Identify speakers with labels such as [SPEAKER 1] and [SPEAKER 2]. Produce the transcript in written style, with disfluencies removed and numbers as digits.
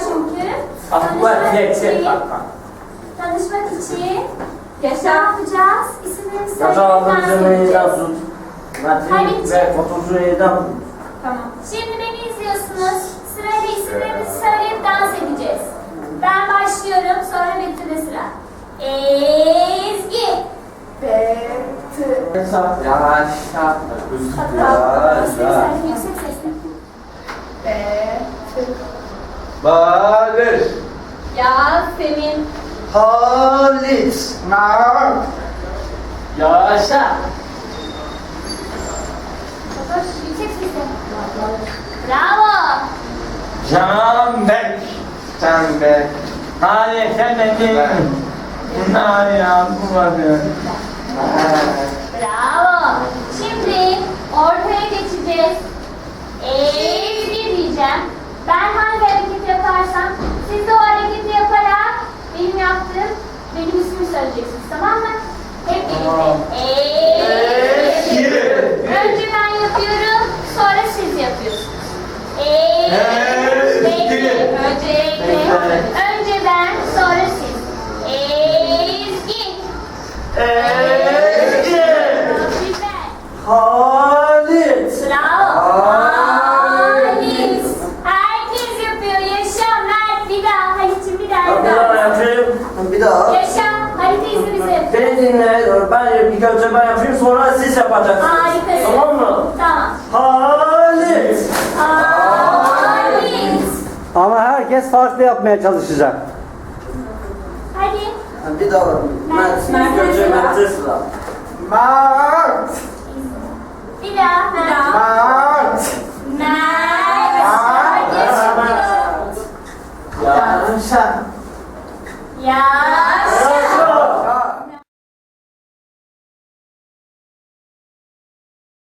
[SPEAKER 1] çünkü.
[SPEAKER 2] Aklıma geçecek bak.
[SPEAKER 1] Tanışmak için ne yapacağız? İsimlerimizi
[SPEAKER 2] Yaşa
[SPEAKER 1] söyleyip dans
[SPEAKER 2] aldığımızı
[SPEAKER 1] edeceğiz.
[SPEAKER 2] yazın. Metin ve fotoğrafını yazın.
[SPEAKER 1] Tamam. Şimdi beni izliyorsunuz. Sırayla isimlerimizi söyleyip dans edeceğiz. Ben başlıyorum, sonra Betül'de sıra. Ezgi. Betül.
[SPEAKER 2] Yaşa.
[SPEAKER 1] Hatta sesle, yüksek sesle. Betül.
[SPEAKER 3] Barış.
[SPEAKER 1] Yasemin.
[SPEAKER 3] Halis.
[SPEAKER 2] Yaşa.
[SPEAKER 1] Fatoş, yüksek sesle. Bravo.
[SPEAKER 2] Canbek.
[SPEAKER 3] Canbek.
[SPEAKER 2] Hadi sen de değil. Bunlar ya bu vardı.
[SPEAKER 1] Bravo. Şimdi ortaya geçeceğiz. Ezgi diyeceğim. Ben hangi hareket yaparsam siz de o hareketi yaparak benim yaptığım benim ismimi söyleyeceksiniz, tamam mı? Hep birlikte. Ezgi. Önce ben yapıyorum, sonra siz yapıyorsunuz. Ezgi. Önce ben, sonra siz. Ezgi.
[SPEAKER 2] Ezgi.
[SPEAKER 1] Süper.
[SPEAKER 2] Halis.
[SPEAKER 1] Bravo. Halis. Herkes yapıyor. Yaşa Mert. Bir daha. Halit'ciğim bir daha.
[SPEAKER 2] Bir daha yapayım. Bir daha.
[SPEAKER 1] Yaşa. Halit izni bize yapıyor.
[SPEAKER 2] Beni dinle. Ben ilk önce ben yapayım sonra siz yapacaksınız.
[SPEAKER 1] Harikasın.
[SPEAKER 2] Tamam mı?
[SPEAKER 1] Tamam.
[SPEAKER 2] Halis.
[SPEAKER 1] Halis.
[SPEAKER 4] Ama herkes farklı yapmaya çalışacak.
[SPEAKER 1] Hadi.
[SPEAKER 2] Bir daha. İlk önce Mert'e sıra.
[SPEAKER 3] Mart.
[SPEAKER 1] Bir daha. Mert.
[SPEAKER 3] Mart.
[SPEAKER 1] Mert. Herkes yapıyor.
[SPEAKER 2] Yaşa.
[SPEAKER 1] Yaşa.